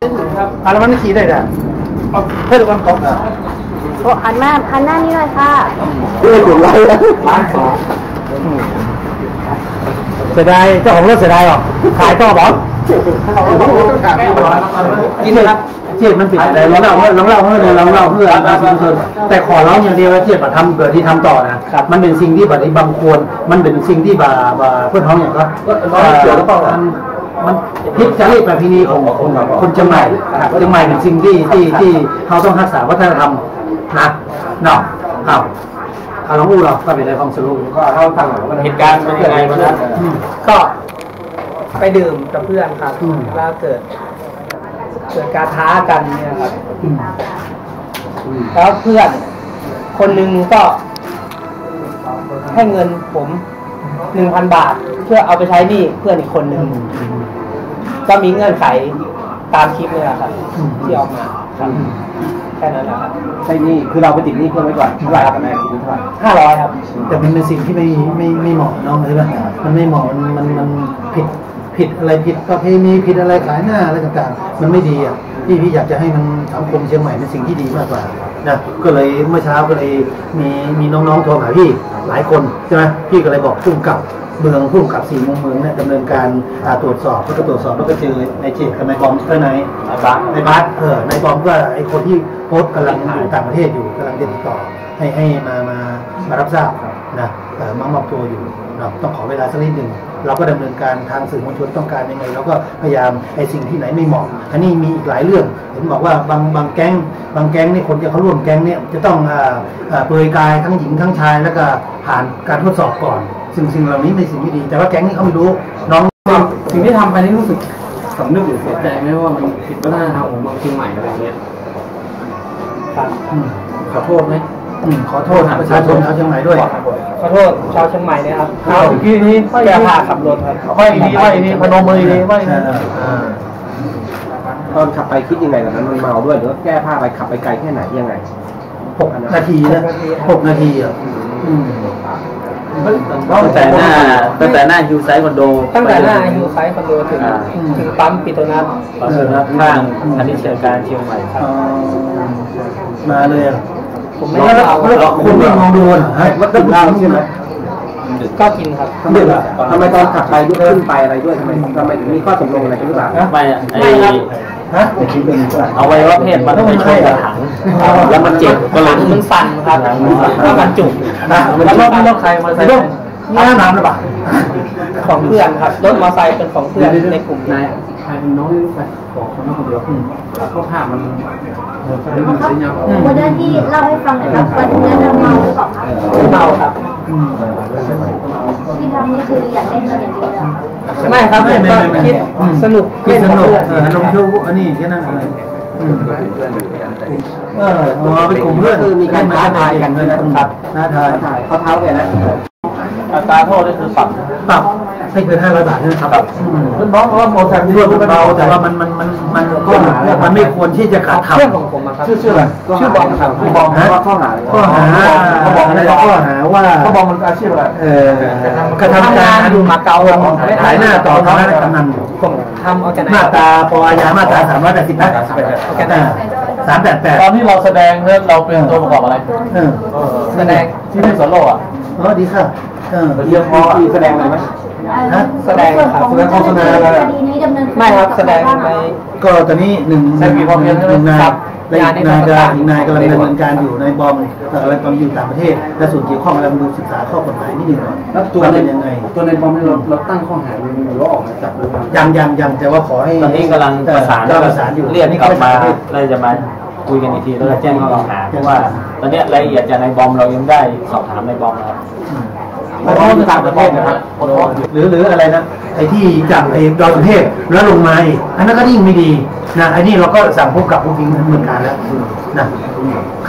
แล้วมันขี่ได้เพื่อนกันตกโอ้หันหน้านี่เลยค่ะถูกไล่แล้วร้านสองเสียดายเจ้าของรถเสียดายหรอขายต่อบอกกินเลยครับเทียบมันผิดอะไรลองเล่าเพื่อแต่ขอร้องอย่างเดียวว่าเทียบมาทำเกิดที่ทำต่อนะมันเป็นสิ่งที่บางควรมันเป็นสิ่งที่เพื่อนท้องอย่างก็เกี่ยวกับมันพิจารณาประเพณีของคนเชียงใหม่เป็นสิ่งที่เขาต้องรักษาวัฒนธรรมนะเนาะครับเอาน้องอูเราก็เป็นในความสรุปก็เล่าฟังเหตุการณ์เป็นยังไงวันนั้นก็ไปดื่มกับเพื่อนครับแล้วเกิดการท้ากันเนี่ยครับแล้วเพื่อนคนหนึ่งก็ให้เงินผม 1,000 บาทเพื่อเอาไปใช้หนี้เพื่อนอีกคนหนึ่งก็มีเงื่อนไขตามคลิปเลยครับที่ออกมาครับแค่นั้นนะครับใช่นี่คือเราไปติดหนี้เพื่อนไว้ก่อนเท่าไหร่ครับแม่ติดหนี้เท่าไหร่ 500ครับแต่มันเป็นสิ่งที่ไม่เหมาะน้องใช่ไหมมันไม่เหมาะมันผิดอะไรผิดประเพณีผิดอะไรขายหน้าอะไรต่างๆมันไม่ดีอ่ะพี่อยากจะให้มันสังคมเชียงใหม่เป็นสิ่งที่ดีมากกว่านะก็เลยเมื่อเช้าก็เลยมีน้องๆโทรหาพี่หลายคนใช่ไหมพี่ก็เลยบอกพุ่งกับเมืองพุ่งกับ4 มุมเมืองเนี่ยดำเนินการตรวจสอบแล้วก็เจอในเจตกับในบอมในบัสในบอมก็ไอคนที่โพสต์กำลังอยู่ต่างประเทศอยู่กำลังติดต่อให้มารับทราบนะมามอบตัวอยู่เราต้องขอเวลาสักนิดหนึ่งเราก็ดำเนินการทางสื่อมวลชนต้องการยังไงเราก็พยายามไอ้สิ่งที่ไหนไม่เหมาะอันนี้มีอีกหลายเรื่องเห็นบอกว่าบางแก๊งนี่คนที่เขาร่วมแก๊งเนี่ยจะต้องเปลือยกายทั้งหญิงทั้งชายแล้วก็ผ่านการทดสอบก่อนสิ่งเหล่านี้เป็นสิ่งที่ดีแต่ว่าแก๊งนี่เขาไม่รู้น้องสิ่งที่ทำไปนี่รู้สึกสำนึกหรือเสียใจไหมว่ามันผิดวัฒนธรรมของเมืองเชียงใหม่อะไรเงี้ยครับขอโทษไหมขอโทษประชาชนชาวเชียงใหม่ด้วยขอโทษชาวเชียงใหม่นะครับเมื่อกี้นี้แก้ผ้าขับรถครับไม่นี้พนมมือนี้ไม่ตอนขับไปคิดยังไงตอนนั้นมันเมาด้วยหรือว่าแก้ผ้าไปขับไปไกลแค่ไหนยังไง 6 นาทีนะ6 นาทีอ่ะตั้งแต่หน้าฮิวไซคอนโดถึงปั๊มปิโตนัสข้างธนิชการเชียงใหม่ครับมาเลยผมไม่ได้เอาคุณไม่มองดูนะมันต้องเล่าใช่ไหมก็กินครับทำไมตอนขับไปยกขึ้นไปอะไรด้วยทำไมถึงมีข้อตกลงอะไรกันหรือเปล่าไม่เอาไว้ว่าเพศมันไม่ใช่ถังแล้วมันเจ็บก็เลยมันสั่นครับแล้วมันจุกแล้วใครมาใส่น้ำหรือเปล่าของเพื่อนครับรถมอเตอร์ไซค์เป็นของเพื่อนในกลุ่มนายใครเป็นน้องไปบอกคนนั้นคนเดียวก็ภาพมันวันนั้นที่เล่าให้ฟังหน่อยครับวันนั้นเมาหรือเปล่าครับเมาครับที่ทำนี่คืออยากได้เงินอย่างเดียวไม่ครับก็คิดสนุกลงทุนอันนี้แค่นั้นเลยเป็นกลุ่มเพื่อนคือมีการท้าทายกันด้วยนะครับท้าทายเขาเท้าแกนะอัตราโทษนี่คือปรับไม่เกิน500 บาทนะครับคุณบอกว่าโมซัมบิกมันเบาแต่ว่ามันไม่ควรที่จะขาดขับเพื่อนของผมครับชื่ออะไรชื่อบอมครับบอมว่าข้อหาว่าเขาบอกมันอาชีพอะไรกระทำการอยู่มาเก๊าขายหน้าต่อท้องกำนันผมทำเอาจากไหนมาตราปอยามาตรา388 ตอนที่เราแสดงเนี่ยเราเป็นตัวประกอบอะไรแสดงที่เป็นสโลอ่ะดีค่ะเรียกพอแสดงอะไรไหมแสดงครับโฆษณาอะไรไม่ครับแสดงในก็ตอนนี้1 นายกำลังดำเนินการอยู่ในบอมกำลังอยู่ต่างประเทศและส่วนเกี่ยวข้องกำลังดูศึกษาข้อกฎหมายนิดหนึ่งแล้วตัวเป็นยังไงตัวในบอมเราตั้งข้อหาหรือว่าออกมาจับยังแต่ว่าขอให้ตอนนี้กำลังประสานอยู่เรียกกลับมาเราจะมาคุยกันอีกทีแล้วแจ้งข้อกล่าวหาเพราะว่าตอนนี้รายละเอียดจากในบอมเรายังได้สอบถามในบอมนะครับเพราะว่าต่างประเทศนะครับหรืออะไรนะไอ้ที่จากไอ้ดอยสุเทพแล้วลงมาอันนั้นก็ยิ่งไม่ดีนะไอ้นี่เราก็สั่งพบกับผู้ทิ้งเหมือนกันแล้วนะ